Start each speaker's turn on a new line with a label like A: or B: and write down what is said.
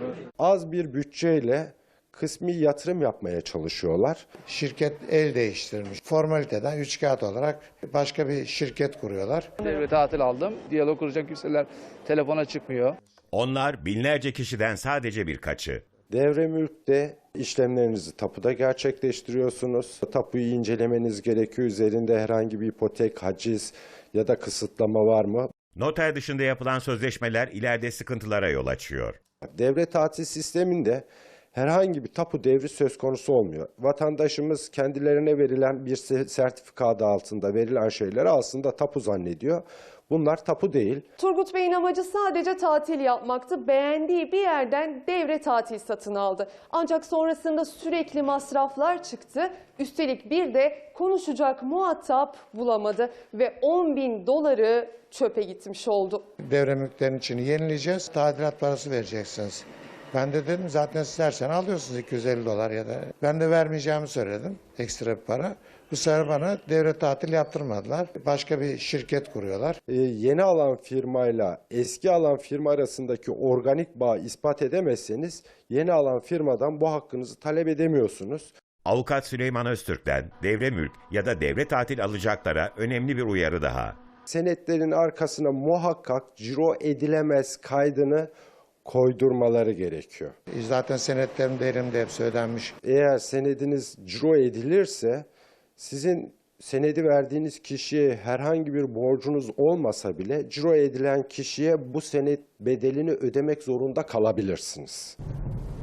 A: Az bir bütçeyle kısmi yatırım yapmaya çalışıyorlar.
B: Şirket el değiştirmiş. Formaliteden üç kağıt olarak başka bir şirket kuruyorlar.
C: Devre tatil aldım. Diyalog kuracak kimseler telefona çıkmıyor.
D: Onlar binlerce kişiden sadece birkaçı.
A: Devre mülkte işlemlerinizi tapuda gerçekleştiriyorsunuz. Tapuyu incelemeniz gerekiyor. Üzerinde herhangi bir ipotek, haciz ya da kısıtlama var mı?
D: Noter dışında yapılan sözleşmeler ileride sıkıntılara yol açıyor.
A: Devre tatil sisteminde herhangi bir tapu devri söz konusu olmuyor. Vatandaşımız kendilerine verilen bir sertifika adı altında verilen şeyleri aslında tapu zannediyor. Bunlar tapu değil.
E: Turgut Bey'in amacı sadece tatil yapmaktı. Beğendiği bir yerden devre tatil satın aldı. Ancak sonrasında sürekli masraflar çıktı. Üstelik bir de konuşacak muhatap bulamadı ve 10.000 doları çöpe gitmiş oldu.
B: Devre mülklerin içini yenileyeceğiz. Tadilat parası vereceksiniz. Ben de dedim zaten siz her sene alıyorsunuz 250 dolar ya da. Ben de vermeyeceğimi söyledim. Ekstra bir para. Bu sefer bana devre tatil yaptırmadılar. Başka bir şirket kuruyorlar.
A: Yeni alan firmayla eski alan firma arasındaki organik bağı ispat edemezseniz yeni alan firmadan bu hakkınızı talep edemiyorsunuz.
D: Avukat Süleyman Öztürk'ten devre mülk ya da devre tatil alacaklara önemli bir uyarı daha.
A: Senetlerin arkasına muhakkak ciro edilemez kaydını koydurmaları gerekiyor.
B: Zaten senetlerim de elimde hepsi ödenmiş.
A: Eğer senediniz ciro edilirse sizin senedi verdiğiniz kişiye herhangi bir borcunuz olmasa bile ciro edilen kişiye bu senet bedelini ödemek zorunda kalabilirsiniz.